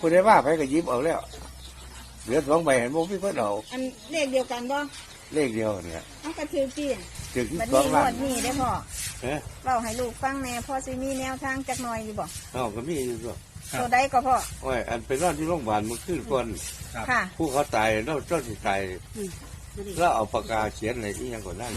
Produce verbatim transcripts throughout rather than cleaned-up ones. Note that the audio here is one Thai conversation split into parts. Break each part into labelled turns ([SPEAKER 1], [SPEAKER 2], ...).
[SPEAKER 1] คุณได้ว่าไปก็ยิ้มเอาแล้วเหลือสองใบเห็นโมพี่เพิ่นเอา
[SPEAKER 2] อันเลขเดียวกันบ่
[SPEAKER 1] เลขเดียวเนี่ย
[SPEAKER 2] เอากระถือกี่
[SPEAKER 1] ถือที่
[SPEAKER 2] บัด
[SPEAKER 1] สอ
[SPEAKER 2] นี้
[SPEAKER 1] ง
[SPEAKER 2] ง
[SPEAKER 1] ล้าน
[SPEAKER 2] วดนี้ได้พ่อ
[SPEAKER 1] เอ๊ะ
[SPEAKER 2] เล่าให้ลูกฟังแน่พ่อสิมีแนวทางจักหน่อยอยู่บ่
[SPEAKER 1] อ๋อก็มีอยู่ด้วย
[SPEAKER 2] ตัวใดก็พ่อ
[SPEAKER 1] โอ้ยอันไปนอนที่โรงพยาบาลมันขึ้นก่อน
[SPEAKER 2] ค่ะ
[SPEAKER 1] ผู้เขาตายแล้วเจ้าที่ตายแล้วเอาปากกาเขียนอะไรที่ยังก่อนนั่น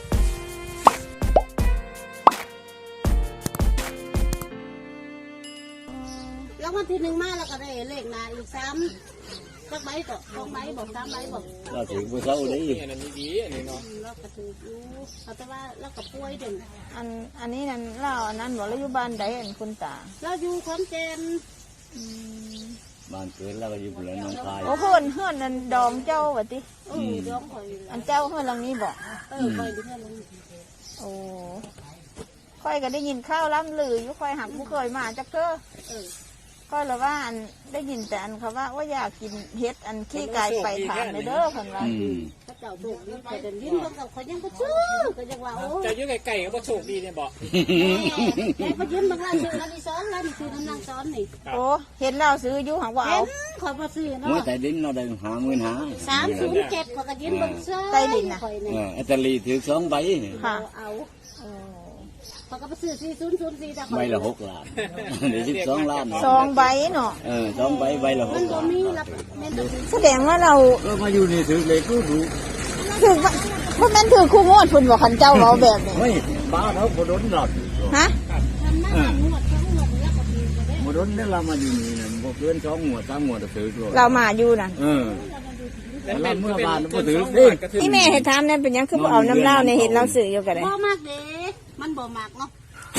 [SPEAKER 3] แล้ววันที่หนึ่งมาแล้วก็ได้เลขนาอีกสามสักใบก็สองใบบอกสามใบบอก
[SPEAKER 4] เราถือมือเขาได้
[SPEAKER 3] อันนี้ดีอันนี้เนาะเราก็ถืออยู่เขาแต่ว่าเราก็ป่วยเด่น
[SPEAKER 2] อันอันนี้นั่นเล่าอันนั้นบอกเราอยู่บ้านใดอันคุณตา
[SPEAKER 3] เราอยู่ขอนแก่น
[SPEAKER 4] บ้านเกิดแล้วก็อยู่บนน้องคาย
[SPEAKER 2] โอ้เพื่อนเพื่อนนั่นดองเจ้าว่ะติ
[SPEAKER 3] อือดองคอย
[SPEAKER 2] อันเจ้าเพื่อนหลังนี้บอก
[SPEAKER 3] เออคอยดูเพื่อน
[SPEAKER 2] โอ้ค่อยก็ได้ยินข้าวล้ำลืออยู่ค่อยหักผู้เคยมาจักเก้อก็เลยว่าอันได้ยินแต่อันเขาว่าว่าอยากกินเฮ็ดอันขี้ไก่ไปถามเลยเด้อคนว่า
[SPEAKER 3] พระเจ้าโชคดีแต่เดินยิ้มเขาเขายังก็ชื่อก็ยังว่าโอ้
[SPEAKER 5] เจ้ายุ่งไก่ก็บ่โชคดีเนี่ยบอก
[SPEAKER 3] แม่เขายิ้มบางร้านซื้อร้านที่สองร้านที่คือน้ำนางซ้อนนี่
[SPEAKER 2] โอ้เห็นเราซื้ออยู่หังว่าเอา
[SPEAKER 3] ขอมาซื้อเนาะ
[SPEAKER 4] เมื่อแต่ดินเราได้หาเงินหา
[SPEAKER 3] สามศูนย์เจ็ดขอก็ยิ้มบางเสื้อ
[SPEAKER 2] ใต้ดินนะ
[SPEAKER 4] เอออัตลีถือสองใบ
[SPEAKER 2] ค่ะ
[SPEAKER 3] เอาเขาก็ไปซื้อสี่ศูนย์ศูนย์สี่จ้ะ
[SPEAKER 4] ใบละหกล้านเดี๋ยวสิบสองล้าน
[SPEAKER 2] สองใบเนาะ
[SPEAKER 4] เออสองใบใบละหกล้าน
[SPEAKER 2] แสดงว่าเรา
[SPEAKER 4] เรามาอยู่นี่ถือเลยก็รู้
[SPEAKER 2] ถือว่าพวกนั้นถือคู่งวดคุณบอกขันเจ้าเราแบบนี้
[SPEAKER 4] ไม่บ้าเขาโมดนหลอด
[SPEAKER 2] ฮะ
[SPEAKER 4] โมดนเนี่ยเรามาอยู่นี่นะพวกเพื่อนสองหัวสามหัวถือตัว
[SPEAKER 2] เรามาอยู่น่ะ
[SPEAKER 4] เออแล้วเมื่อบ้านก็ถือ
[SPEAKER 2] ที่แม่เห็นทำเนี่ยเป็นยังคือเอาน้ำเล่าในเห็นเราสื่ออยู่กันเลย
[SPEAKER 3] บ่มากเด้มันบ่มากเนาะ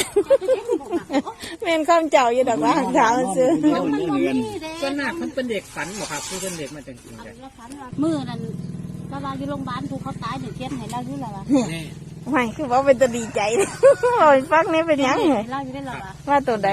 [SPEAKER 2] แม่นข้ามเจ้าอยู่ดอกว่าเช้าซื้อ
[SPEAKER 5] ส่วนมากมันเป็นเด็กฝันหรอครับคือเป็นเด็กมันจริงๆเลย
[SPEAKER 3] มือนั่นเราเราอยู่โรงพยาบาลถูกเขาตายเดี๋ยวเทียนให้เราอยู่แล้วล่ะ
[SPEAKER 2] ไม่คือว่าเป็นตัวดีใจโอ้ยฟังนี่เป็นยังไง
[SPEAKER 3] เราอยู่ได้หรอ
[SPEAKER 2] ว่าตัวใด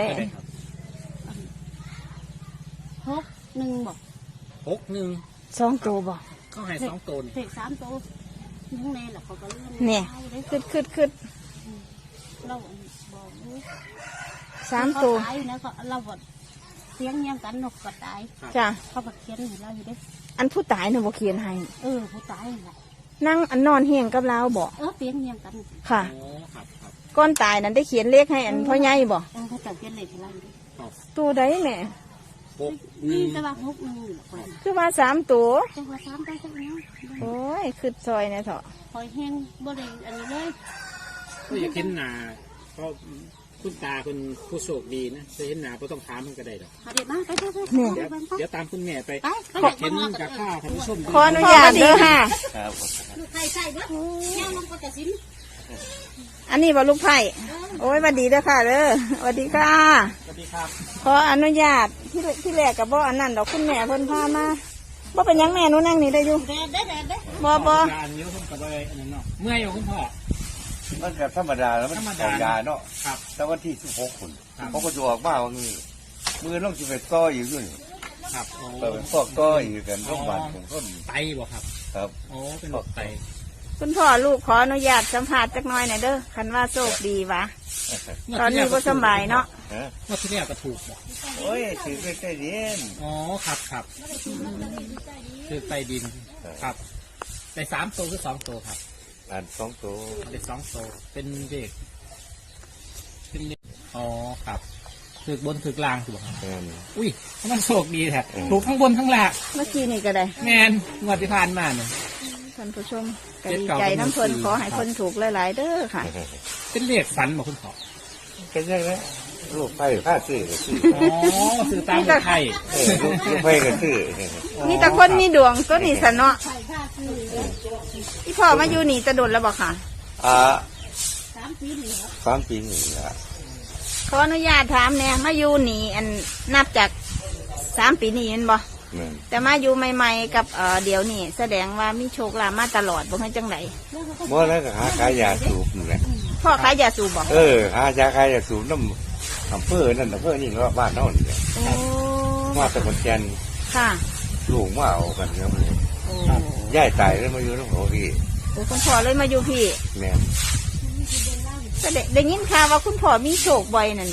[SPEAKER 3] หกหนึ่งบอก
[SPEAKER 5] หกหนึ่ง
[SPEAKER 2] สองตัวบอก
[SPEAKER 5] เขาให้สองตัว
[SPEAKER 3] เด็กสามตัวยังไงล่ะเขาก็
[SPEAKER 2] เนี่ยคืดคืดคืด
[SPEAKER 3] เราบอก
[SPEAKER 2] สามตัว
[SPEAKER 3] ตายนะเขาเราบอกเสียงยังกันนกก็ตาย
[SPEAKER 2] จ้ะ
[SPEAKER 3] เขาบอกเขียนให้เราอยู่ได้
[SPEAKER 2] อันผู้ตายเนี่ยบอกเขียนให้
[SPEAKER 3] เออผู้ตายแหละ
[SPEAKER 2] นั่งอันนอนเฮียงกับเราบอก
[SPEAKER 3] เออเสียงยังกัน
[SPEAKER 2] ค่ะก้อนตายนั้นได้เขียนเลขให้อันพ่อใหญ่บอก
[SPEAKER 3] เออเขาจะเขียนเลขให้เราอยู่
[SPEAKER 2] ตัวใดแม่
[SPEAKER 3] นี่จะว่าหกหนึ่ง
[SPEAKER 2] คือว่าสามตัว
[SPEAKER 3] จะว่าสามตัวสักนี้
[SPEAKER 2] โอ้ยคือซอยเนี่ยเถอะ
[SPEAKER 3] หอยแห้งบริอันนี้เลย
[SPEAKER 5] ก็อยากเห็นหนาเพราะคุณตาคุณผู้โชคดีนะจะเห็นหนาก็ต้องถามมันก็ได้หรอก
[SPEAKER 3] เดี๋ยวมาไปไปไป
[SPEAKER 5] เดี๋ยวตามคุณแม่ไปอยากเห็นกับข้าวท่านผู้ชม
[SPEAKER 2] ขออนุญาตเด้อค่ะ
[SPEAKER 3] ใครใส่บ้างแง่ลงกระสิน
[SPEAKER 2] อันนี้บอลูกไผ่โอ้ยสวัสดีเด้อค่ะเด้อสวัสดีค่ะ
[SPEAKER 5] สวัสดีครับ
[SPEAKER 2] ขออนุญาตที่ที่แรกกับบ่ออันนั้นดอกคุณแม่เพิ่นพามาบ่เป็นยังแม่หนูนั่งนี่ได้อยู่บ่บ่
[SPEAKER 5] อันนี้ผมกับอะไรอันนั้นเนาะเมื่อยอยู่คุณพ่อ
[SPEAKER 1] มันแบบธรรมดาแล้วมันธรรมดาเนาะครับแต่วันที่สิบหกคนเขาก็จะออกมาว่ามือมือต้องจะไปต่ออีกด้วย
[SPEAKER 5] ครับ
[SPEAKER 1] เปิดฟอกต่ออีกกันโรงพยาบาลของต้น
[SPEAKER 5] ไตบ่ครับ
[SPEAKER 1] ครับ
[SPEAKER 5] โอ้เป็นโรคไต
[SPEAKER 2] คุณพ่อลูกขออนุญาตสัมภาษณ์จักหน่อยหน่อยเด้อคันว่าโชคดีวะตอนนี้ก็สบายเนาะ
[SPEAKER 5] เมื่อที่แล้วก็ถูกบอก
[SPEAKER 1] โอ้ยถือไปใต้ดิน
[SPEAKER 5] อ๋อครับครับถือใต้ดินครับได้สามตัวคือสองตัวครับ
[SPEAKER 1] อันสองตัว
[SPEAKER 5] ได้สองตัวเป็นเด็กเป็นเด็กอ๋อครับถือบนถือกลางถูกครับอุ้ยมันโชคดีแท้ถูกทั้งบนทั้งล่าง
[SPEAKER 2] เมื่อกี้นี่ก็ได้
[SPEAKER 5] แมนงวดที่ผ่านมาเนี่ย
[SPEAKER 2] ท่านผู้ชมก็ดีใจน้ำเพลินขอให้คนถูกหลายๆเด้อค่ะ
[SPEAKER 5] เป็นเลขฝันบอกคุณพ่อ
[SPEAKER 1] เป็นยังไงลูกไผ่ข้าซื้อซื้อ
[SPEAKER 5] อ๋อซื้อตามไผ่
[SPEAKER 1] ลูกไผ่ก็ซื้อ
[SPEAKER 2] มีแต่คนมีดวงก็นี่สนอที่พ่อมาอยู่นี่จะโดนแล้วบอกค่ะ
[SPEAKER 1] อ่าสามปีนี่สามปีนี่ละ
[SPEAKER 2] ขออนุญาตถามเนี่ยมาอยู่นี่อันนับจากสามปีนี่เห็นบ่แต่มาอยู่ใหม่ๆกับเอ่อเดี๋ยวนี่แสดงว่ามีโชคลาภมาตลอดบ่ให้จังได
[SPEAKER 1] บ่แล้วก็หาขายยาสูบนี่แหละ
[SPEAKER 2] พ่อขายยาสูบบ่
[SPEAKER 1] เออหายาขายยาสูบน้ำอำเภอนั่นอำเภอนี่ก็บ้านนอนเนี่ยมาตะบนแกน
[SPEAKER 2] ค่ะ
[SPEAKER 1] ลูกมาเอากันครับเลยย่ายตายแล้วมาอยู่น้องโหพี่
[SPEAKER 2] โอ้คุณพ่อเลยมาอยู่พี่
[SPEAKER 1] แม่
[SPEAKER 2] แต่ได้ยินข่าวว่าคุณพ่อมีโชคบ่อยนั่นนะ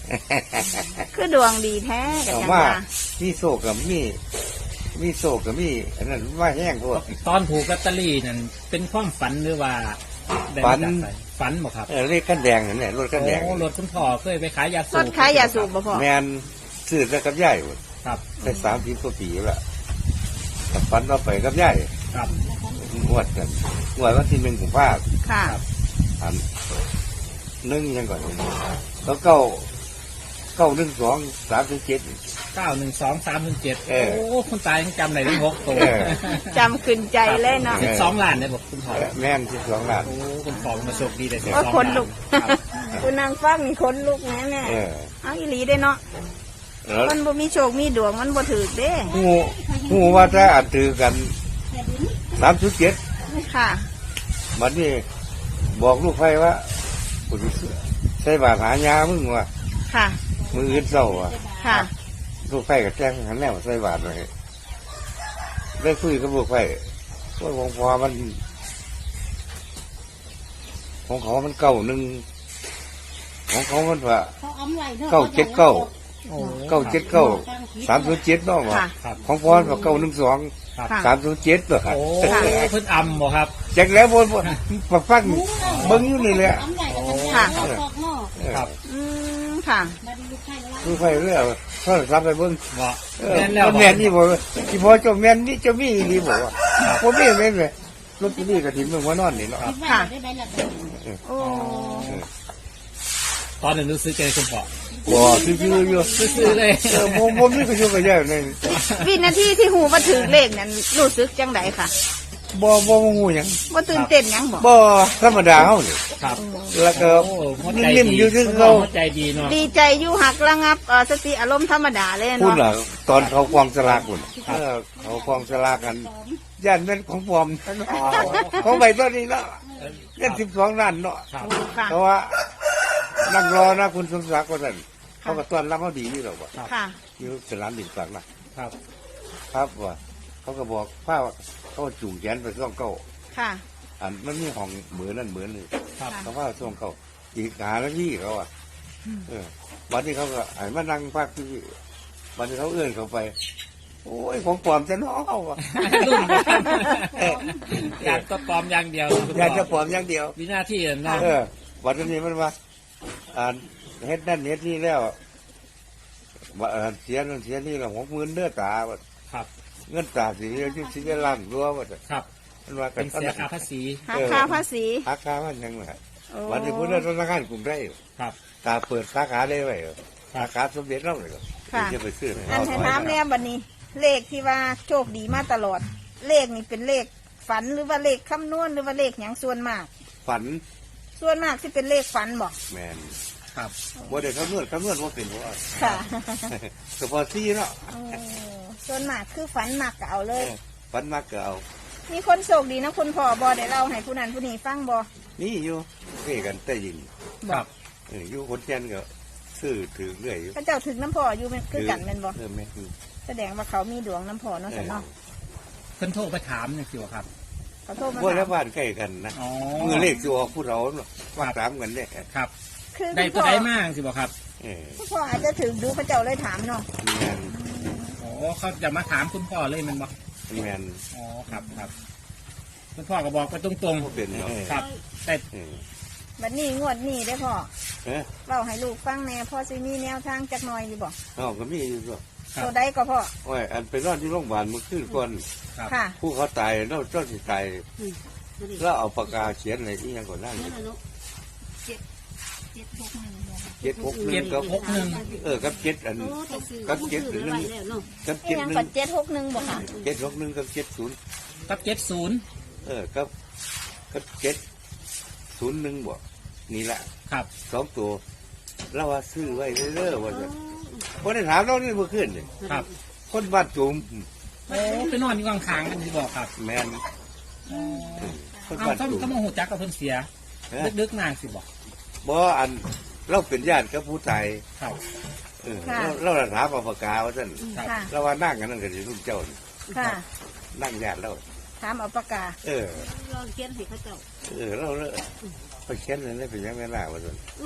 [SPEAKER 2] คือดวงดีแท้กัน
[SPEAKER 1] เอา
[SPEAKER 2] จัง
[SPEAKER 1] ว่า
[SPEAKER 2] ว่า
[SPEAKER 1] มีโศกกับมีมีโศกกับมีอันนั้นว่าแห้งพวก
[SPEAKER 5] ตอนถูกลอตเตอรี่นั่นเป็นความฝันหรือว่าได้
[SPEAKER 1] ฝั
[SPEAKER 5] มาน จากไหนฝันบ่ครับ
[SPEAKER 1] เออเลขกันแดงนั่นแหละรถกันแดง
[SPEAKER 5] โอ้รถคุณพ่อเคยไปขายยาสู
[SPEAKER 2] ร
[SPEAKER 5] บ
[SPEAKER 2] ถขายยาสูบบ่พ่อ
[SPEAKER 1] แมนซื้อแล้วกับย่ายหมด
[SPEAKER 5] ครับ
[SPEAKER 1] ได้สามสิบกว่าปีแล้วล่ะกับฟันเราไปกับย่าย
[SPEAKER 5] ครับ
[SPEAKER 1] งวดกันงวดวันที่หนึ่งของภาค
[SPEAKER 2] ค่ะ
[SPEAKER 1] อันหนึ่งยังก่อนแล้วเก้าเก้าหนึ่งสองสามสิบเจ็ด
[SPEAKER 5] เก้าหนึ่งสองสามหนึ่งเจ็ด
[SPEAKER 1] เออ
[SPEAKER 5] โอ้คุณตายังจำได้ทั้งหกตัว
[SPEAKER 1] เออ
[SPEAKER 2] จำขึ้นใจเลยเนาะ
[SPEAKER 5] สิบสองล้านได้บอกคุณพ่อ
[SPEAKER 1] แม่นสิบสองล้าน
[SPEAKER 5] โอ้คุณพ่อมาโชคดีได้สิบ
[SPEAKER 2] ว่า
[SPEAKER 5] สอง
[SPEAKER 2] คน
[SPEAKER 5] ล้าน
[SPEAKER 2] ลุก
[SPEAKER 5] ครับ
[SPEAKER 2] คุณนางฟังนี่คนลุกแน่แน่
[SPEAKER 1] เออ
[SPEAKER 2] เอาอีหลีได้เนาะ
[SPEAKER 1] แล้ว
[SPEAKER 2] มันบ่มีโชคมีดวงมันบ่ถือเด้
[SPEAKER 1] หูหูว่าถ้าอ่านถือกันสามสิบเจ็ด
[SPEAKER 2] ค่ะ
[SPEAKER 1] มันนี่บอกลูกไฟว่าคุณใช้บาทหายามึงว่ะ
[SPEAKER 2] ค่ะ
[SPEAKER 1] มืออื่นเศร้าว่ะ
[SPEAKER 2] ค่ะ
[SPEAKER 1] ลูกไฟกับแจ้งหันแนวใส่บาทเลยได้คุยกับลูกไฟว่าของพอมัน ของเขามันเก้าหนึ่งของเขามันว่า
[SPEAKER 3] เขาอ้ำไว้เนาะ
[SPEAKER 1] เก้าเจ็ดเก้า
[SPEAKER 5] โอ้
[SPEAKER 1] เก้าเจ็ดเก้าสามศูนย์เจ็ดเนาะว่ะ
[SPEAKER 2] ค่ะ
[SPEAKER 5] ครับ
[SPEAKER 1] ของพอมันว่าเก้าหนึ่งสอง
[SPEAKER 5] ครับ
[SPEAKER 2] ค่ะ
[SPEAKER 1] สามศูนย์เจ็ดตัว
[SPEAKER 5] โอ้
[SPEAKER 2] ค่ะ
[SPEAKER 5] เพิ่นอำบ่ครับ
[SPEAKER 1] แจ็คแล้วบนปักฟังเบิ้งอยู่นี่แหละ
[SPEAKER 3] อ้ำไว้แล้วกัน
[SPEAKER 2] ค่ะ
[SPEAKER 3] เขาตอกหม้อ
[SPEAKER 5] ครับ
[SPEAKER 2] อืมค่ะ
[SPEAKER 3] มาดีลูกไข่ละ
[SPEAKER 1] ลูกไฟเรื่อยโทรศัพท์ไปเบิ้ง
[SPEAKER 5] บ่
[SPEAKER 1] เออ
[SPEAKER 5] แม่นแล้ว
[SPEAKER 1] มัน
[SPEAKER 5] บ่
[SPEAKER 1] แม่นนี่บอกว่าที่พอเจ้าแม่นนี่เจ้ามีนี่บอกว่าผมมีแม่นเลยรถที่นี่กระถิ่นเมืองว่านอนนี่เนาะ
[SPEAKER 3] คิดว่าได้ใบละกัน
[SPEAKER 2] โอ้
[SPEAKER 5] ตอนนั้นรู้สึกใจคุณพ่อ
[SPEAKER 1] บ่ซื่อๆอยู่
[SPEAKER 5] ซื้อเลย
[SPEAKER 1] เออผมผมนี่ก็อยู่กับยายนี่
[SPEAKER 2] วินาทีที่หูมาถึงเลขนั้นรู้สึกจังไดค่ะ
[SPEAKER 1] บ่บ่งูหยัง
[SPEAKER 2] ว่าตื่นเต้นหยังบ่
[SPEAKER 1] บ่ธรรมดาเฮานี่
[SPEAKER 5] ครับ
[SPEAKER 1] แล้วก็
[SPEAKER 5] โอ้หัวใจ
[SPEAKER 1] นิ่ม
[SPEAKER 5] ดี
[SPEAKER 1] ๆอยู่คือ
[SPEAKER 5] คุณพ่
[SPEAKER 1] เขา
[SPEAKER 5] หัวใจดีเนาะ
[SPEAKER 2] ดีใจอยู่หักระงับเอ่อสติอารมณ์ธรรมดาเลย
[SPEAKER 1] พูด
[SPEAKER 2] เนาะ
[SPEAKER 1] ล่ะตอนเขากองสลากพุ่นเออเขากองสลากกันย่านแม่นของปลอมของใบต้นนี้เนาะเงินสิบสองล้านเนาะ
[SPEAKER 5] ครับ
[SPEAKER 2] ค่ะ
[SPEAKER 1] เพราะว่านั่งรอนะคุณสมศักดิ์ว่าซั่นเขาก็ต้อนรับเขาดีอยู่หรอกว่า
[SPEAKER 2] ค่ะ
[SPEAKER 1] อยู่สนามบินกลางนะครับ ครับว่าเขาก็บอกพาเขาจูงแขนไปซ่องเก้า
[SPEAKER 2] ค่ะ
[SPEAKER 1] อันมันมีห้องเหมือนนั่นเหมือนนี่
[SPEAKER 5] ครับ
[SPEAKER 1] เขาว่าซ่องเก้าอีกหาแล้วพี่เขาอ่ะเออวันนี้เขาก็ไอ้มานั่งพักที่วันนี้เขาเอื้อนเขาไป โอ้ยของปลอมจะน้องเขาอ่ะ
[SPEAKER 5] รุ่นบ่ครับอยากก็ปลอมอย่างเดียวคุณ
[SPEAKER 1] อยาก
[SPEAKER 5] พ่
[SPEAKER 1] จะปลอมอย่างเดียว
[SPEAKER 5] วินาทีนั้นเนาะ
[SPEAKER 1] เออวันนี้มันว่าอ่าเฮ็ดนั่นเฮ็ดนี่แล้วว่าอ่าเสียนั่นเสียนี่แล้วหกหมื่นเด้อตาว่า
[SPEAKER 5] ครับ
[SPEAKER 1] เงินตาสิเรียกที่สิจะล้านรัวว่าจะ
[SPEAKER 5] ครับ
[SPEAKER 1] มันว่ากั
[SPEAKER 5] เป็น นเสียค่าภาษี
[SPEAKER 2] หักค่าภาษี
[SPEAKER 1] หักค่ามันยังไง
[SPEAKER 2] โอ้
[SPEAKER 1] วันนี้พูดเรื่องธนาคารกรุงไทย
[SPEAKER 5] ครับ
[SPEAKER 1] ตาเปิดสาขาได้ไว้เหรอ
[SPEAKER 5] ครับ
[SPEAKER 1] สาขาสมเด็จเราเลยเหรอ
[SPEAKER 2] ค่ะ
[SPEAKER 1] จะไปซื้อไหม
[SPEAKER 2] อันให้ถามแน่บัดนี้ เลขที่ว่าโชคดีมาตลอด เลขนี่เป็นเลขฝันหรือว่าเลขคำนวณหรือว่าเลขหยังส่วนมาก
[SPEAKER 1] ฝัน
[SPEAKER 2] ส่วนมากที่เป็นเลขฝันบอก
[SPEAKER 1] แมน
[SPEAKER 5] ครับ
[SPEAKER 1] ว่าเด็กคำนวณคำนวณว่าเป็นเพราะว่า
[SPEAKER 2] ค่ะ
[SPEAKER 1] เฉพาะซี่เนาะ
[SPEAKER 2] โอ้ส่วนมากคือฝันมากก็เอาเลย
[SPEAKER 1] ฝันมากก็เอา
[SPEAKER 2] มีคนโชคดีนะคุณพ่อบอได้เล่าให้ผู้นั้นผู้นี้ฟังบอ
[SPEAKER 1] นี่อยู่เพ่กันแต่ยิง
[SPEAKER 5] ครับ
[SPEAKER 1] เอออยู่คนเช่นก็ซื้อถือเรื่อยอยู่
[SPEAKER 2] พระเจ้าถึงน้ำพ่ออยู่เป็นคือกันแม่นบอ
[SPEAKER 1] เออแม่น
[SPEAKER 2] แสดงว่าเขามีดวงน้ำพ่อเนาะสันเนาะ
[SPEAKER 5] เพิ่นโทรไปถามเนี่ยสิวะครับ
[SPEAKER 2] เขาโทรมา
[SPEAKER 1] พวก
[SPEAKER 2] ถา
[SPEAKER 1] แล้ว
[SPEAKER 2] ม
[SPEAKER 1] บ้านใกล้กันนะ
[SPEAKER 5] อ๋อ
[SPEAKER 1] มือเลขสิออกผู้เราเนาะว่าตามกันเนี่ย
[SPEAKER 5] ครับ
[SPEAKER 2] คือ
[SPEAKER 5] ได้
[SPEAKER 2] คุณ
[SPEAKER 5] ตัว
[SPEAKER 2] พ่อ
[SPEAKER 5] ได้มากสิบ่ครับ
[SPEAKER 1] เออ
[SPEAKER 2] คุณพ่ออาจจะถึงดูพระเจ้าเลยถามเนาะ
[SPEAKER 1] แมน
[SPEAKER 5] โอ้เขาจะมาถามคุณพ่อเลยแมันบ่
[SPEAKER 1] แมน
[SPEAKER 5] อ๋อครับครับคุณพ่อก็บอกไปตรง
[SPEAKER 1] บ่เป็นเนาะ
[SPEAKER 5] ๆครับ แต่
[SPEAKER 1] เออ
[SPEAKER 2] บัดนี้งวดนี้ได้อพ่อ
[SPEAKER 1] เอ๊ะ
[SPEAKER 2] เล่าให้ลูกฟังแน่พ่อซิมีแนวทางจักหน่อยดีบอก
[SPEAKER 1] เอาก็มีอยู่ด้วย
[SPEAKER 2] ตัวใดก็พ่อ
[SPEAKER 1] โอ้ยอันไปนอนที่โรงพยาบาลเมื่อคืนก่อน
[SPEAKER 5] ครับ
[SPEAKER 2] ค่ะ
[SPEAKER 1] ผู้เขาตายเราเจ้าสิตาย
[SPEAKER 3] อืมนั่นดิ
[SPEAKER 1] แล้วเอาปากกาเขียนอะไรที่ยังก่อนนั่น
[SPEAKER 3] นั่นน่ะเนาะ
[SPEAKER 2] เจ็ดเจ็ดหกหนึ่งบอก
[SPEAKER 1] เจ็ดหกหนึ่
[SPEAKER 5] เจ็
[SPEAKER 1] ง
[SPEAKER 5] ด
[SPEAKER 1] กับ
[SPEAKER 5] หกหนึ่ง
[SPEAKER 1] เออกับเจ็ดอัน
[SPEAKER 3] โอ้แต่ซื้อ
[SPEAKER 1] กับเจ็ด
[SPEAKER 3] ซื้อ
[SPEAKER 1] หนึ่
[SPEAKER 3] ไว้
[SPEAKER 1] ง
[SPEAKER 3] แล้วเนาะ
[SPEAKER 1] กับ
[SPEAKER 2] นี่
[SPEAKER 1] เจ็ด
[SPEAKER 2] ยัง
[SPEAKER 1] หนึ่
[SPEAKER 2] ปั
[SPEAKER 1] ง
[SPEAKER 2] ดเจ็ดหกหนึ่งบอกค่ะ
[SPEAKER 1] เจ็ดหกหนึ่งกับเจ็ดศูนย์
[SPEAKER 5] กับเจ็ดศูนย์
[SPEAKER 1] เออกับกับเจ็ดศูนย์หนึ่งบ่นี่แหละ
[SPEAKER 5] ครับ
[SPEAKER 1] สองตัวเราว่าซื้อไว้เรื่อยๆว่าจะคนได้ถามเรานี่เมื่อคืนนี่
[SPEAKER 5] ครับ
[SPEAKER 1] คนบ้านจุ่ม
[SPEAKER 5] โอ้ไปนอนอยู่ข้างๆกันสิบอกครับ
[SPEAKER 1] แมนคน
[SPEAKER 5] เอา
[SPEAKER 1] บ้าน
[SPEAKER 5] ถ้า
[SPEAKER 1] จุ่ม
[SPEAKER 5] ถ้าโมโหจักกับเพิ่นเสีย
[SPEAKER 1] เอ้ย
[SPEAKER 5] ดึกๆนางสิบอก
[SPEAKER 1] บ่อันเราเป็นญาติกับผู้ตาย
[SPEAKER 5] ครับ
[SPEAKER 1] เออเราเราน่ะถามเอาปากกาว่าท่าน
[SPEAKER 5] ครับ
[SPEAKER 2] ค่ะ
[SPEAKER 1] เราว่านั่งกันนั่นก็สิรุ่นเจ้านี่
[SPEAKER 2] ค่ะ
[SPEAKER 1] นั่งญาติเรา
[SPEAKER 2] ถามเอาปากกา
[SPEAKER 1] เออ
[SPEAKER 3] ลองเขียนให้เขาเจ้า
[SPEAKER 1] เออเราเลยไปเขียนอะไรเป็นยังไงล่ะว่าท่าน
[SPEAKER 3] อือ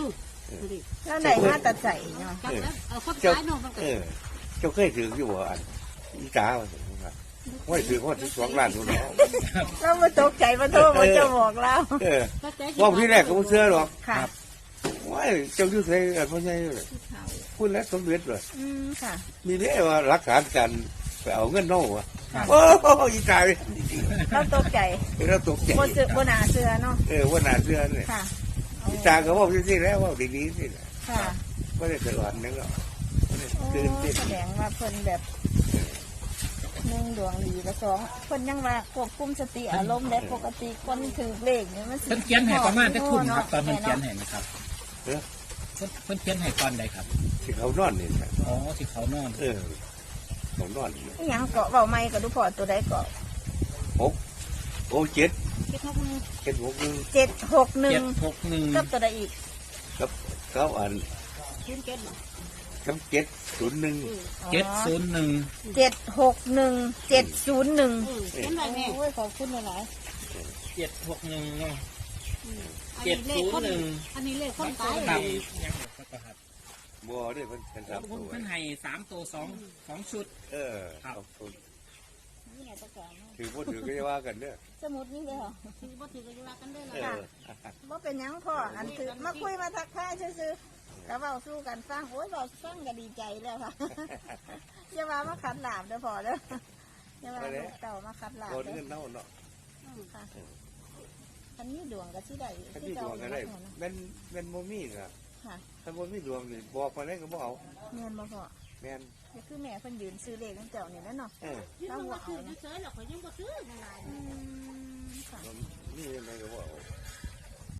[SPEAKER 3] ดิ
[SPEAKER 2] แล้วไหนมาตัดใส่เนาะ
[SPEAKER 3] จับแล้วเอาคน
[SPEAKER 1] เจ้า
[SPEAKER 3] ขายเนาะมันก็
[SPEAKER 1] เออเจ้าเคยถืออยู่บ่อันอีกาว่าว่าถือว่าถือสองล้านตัวเนาะ
[SPEAKER 2] เรามาตกใจมาโทษมาจะบอกเรา
[SPEAKER 1] เออว่าที่แรกก็ไม่เชื่อหรอก
[SPEAKER 2] ค่ะ
[SPEAKER 1] ว่าเจ้ายุ่งใส่กันเพราะไงเลยพูดแล้วสมเด็จเลย
[SPEAKER 2] อืมค่ะ
[SPEAKER 1] มีเรื่องว่ารักษาการไปเอาเงินน้องวะ
[SPEAKER 2] ค่ะ
[SPEAKER 1] โอ้อีกาเลย
[SPEAKER 2] เราตกใจ
[SPEAKER 1] เราตกใจ
[SPEAKER 2] บนเสือบนหนาเสือเนาะ
[SPEAKER 1] เออว่าหนาเสื้อเนี่ย
[SPEAKER 2] ค่ะ
[SPEAKER 1] อีกาก็ว่าที่แล้วว่าดีๆสิ
[SPEAKER 2] ค่ะ
[SPEAKER 1] ไม่ได้ตลอดนึงหรอก
[SPEAKER 2] โอ้
[SPEAKER 1] ตื่นเต้น
[SPEAKER 2] แสดงว่าเพิ่นแบบหนึ่งดวงดีกับสองเพิ่นยังว่าควบคุมสติอารมณ์ได้ปกติคนถือเลขเนี่ยมันสิ
[SPEAKER 5] เพิ่นเขียนให้ประมาณจะทุ่มครับตอนเพิ่นเขียนให้นะครับ
[SPEAKER 1] เออ
[SPEAKER 5] เพิ่นเพิ่นเขียนให้ตอนใดครับ
[SPEAKER 1] ที่เขานอนนี่นะ
[SPEAKER 5] อ๋อที่เขานอน
[SPEAKER 1] เออเขานอน
[SPEAKER 2] อหยังเกาะเบาไม้กับดูพอตัวใดเกาะ
[SPEAKER 1] หกโอ้เจ็ด
[SPEAKER 3] คิดเขาคนนึง
[SPEAKER 1] เจ็ดหกหนึ่ง
[SPEAKER 2] เจ็ดหกหนึ่
[SPEAKER 5] เจ็
[SPEAKER 2] ง
[SPEAKER 5] ดหกหนึ่ง
[SPEAKER 2] กับตัวใดอีก
[SPEAKER 1] ครับเขาอ่าน
[SPEAKER 3] คิดเก็ตบ่
[SPEAKER 1] ทั้งเจ็ดศูนย์หนึ่ง
[SPEAKER 5] เจ็ดศูนย์หนึ่ง
[SPEAKER 2] เจ็ดหกหนึ่งเจ็ดศูนย์หนึ่ง
[SPEAKER 3] เออเขียนไว้แม่
[SPEAKER 2] โอ้ยขอบคุณหลาย
[SPEAKER 5] เจ็ดหกหนึ่งเนาะ
[SPEAKER 3] อันนี้เลขคนอันนี้เลขคนตาย
[SPEAKER 5] ครับ
[SPEAKER 3] เลย
[SPEAKER 5] ยังหกครับ
[SPEAKER 1] บัวด้วยเพิ่นเป็นสามตัว
[SPEAKER 5] เพิ่นให้สามตัวสองสองชุด
[SPEAKER 1] เออ
[SPEAKER 5] ครับ
[SPEAKER 1] ขอบคุณ
[SPEAKER 2] ๆนี่ไงประกาศเนาะ
[SPEAKER 1] ถือพูดถือก็จะว่ากันเด้อ
[SPEAKER 2] สมุดนี่เลยเหรอ
[SPEAKER 3] ถือบ่ถือก็อยู่ว่ากันได้
[SPEAKER 1] เอ
[SPEAKER 3] ล่ะ
[SPEAKER 1] อ
[SPEAKER 2] ว่าเป็นหยังพ่ออันถือมาคุยมาทักทายซื่อๆก็เว้าสู้กันฟังโอ้ยเว้าฟังก็ดีใจแล้วค่ะ อย่าว่ามาขัดหลาบเด้อพ่อเด้ออย่าว่าลูกเต่ามาขัดหลาบ
[SPEAKER 1] โอน
[SPEAKER 2] เด้อ
[SPEAKER 1] เงินเน่าเนาะ
[SPEAKER 2] ค่ะอันนี้ดวงก็สิได้
[SPEAKER 1] ถ้า
[SPEAKER 2] ที่
[SPEAKER 1] มีด
[SPEAKER 2] เจ้าว
[SPEAKER 1] ง
[SPEAKER 2] เ
[SPEAKER 1] ก็ได้
[SPEAKER 2] นาะ
[SPEAKER 1] แม่นแม่นโมมี่น่ะ
[SPEAKER 2] ค่ะ
[SPEAKER 1] ถ้าโมมี่ดวงนี่บอกมาได้ก็บอกเอา
[SPEAKER 2] เงินบ่พ่อ
[SPEAKER 1] แม่น
[SPEAKER 2] ก็คือแม่เพิ่นยืนซื้อเลขของเจ้านี่แหล้วเนาะ
[SPEAKER 1] เออ
[SPEAKER 3] ยืนมาถือเฉยๆหรอกเขายังบ่ถือนั่นล่ะ
[SPEAKER 2] อืมค่ะ
[SPEAKER 1] นี่อะไรก็บอกเอา